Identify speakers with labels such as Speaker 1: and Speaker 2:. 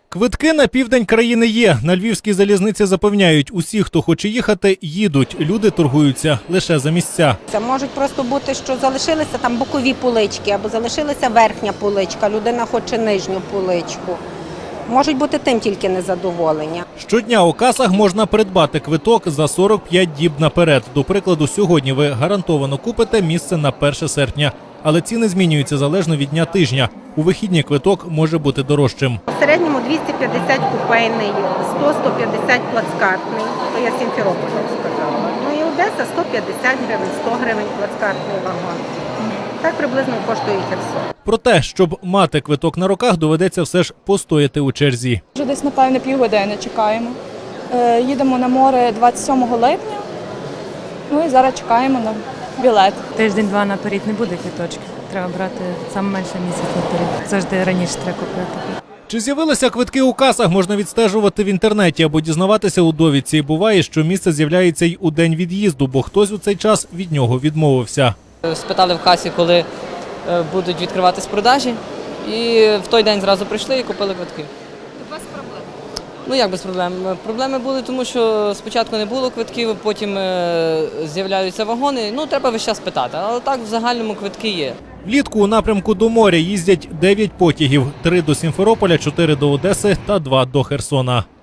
Speaker 1: Квитки на південь країни є. На Львівській залізниці запевняють, усі, хто хоче їхати, їдуть. Люди торгуються лише за місця.
Speaker 2: Це можуть просто бути, що залишилися там бокові полички або залишилася верхня поличка, людина хоче нижню поличку. Можуть бути тим тільки незадоволення.
Speaker 1: Щодня у касах можна придбати квиток за 45 діб наперед. До прикладу, сьогодні ви гарантовано купите місце на 1 серпня. Але ціни змінюються залежно від дня тижня. У вихідні квиток може бути дорожчим.
Speaker 2: В середньому 250 купейний, 100-150 плацкартний, то я Сімферополь сказала. Ну і Одеса 150 гривень, 100 гривень плацкартний вагон. Так приблизно коштує і Херсон.
Speaker 1: Проте, щоб мати квиток на руках, доведеться все ж постояти у черзі.
Speaker 3: Вже десь, напевне, півгодини чекаємо. Їдемо на море 27 липня, ну і зараз чекаємо на білет.
Speaker 4: Тиждень-два наперед не буде квиточки. Треба брати саме менше місяць наперед. Завжди раніше треба купити.
Speaker 1: Чи з'явилися квитки у касах, можна відстежувати в інтернеті або дізнаватися у довідці. Буває, що місце з'являється й у день від'їзду, бо хтось у цей час від нього відмовився.
Speaker 5: Спитали в касі, коли будуть відкриватись продажі, і в той день зразу прийшли і купили квитки. Без проблем? Ну як без проблем? Проблеми були, тому що спочатку не було квитків, потім з'являються вагони. Ну треба весь час питати, але так в загальному квитки є.
Speaker 1: Влітку у напрямку до моря їздять 9 потягів – 3 до Сімферополя, 4 до Одеси та 2 до Херсона.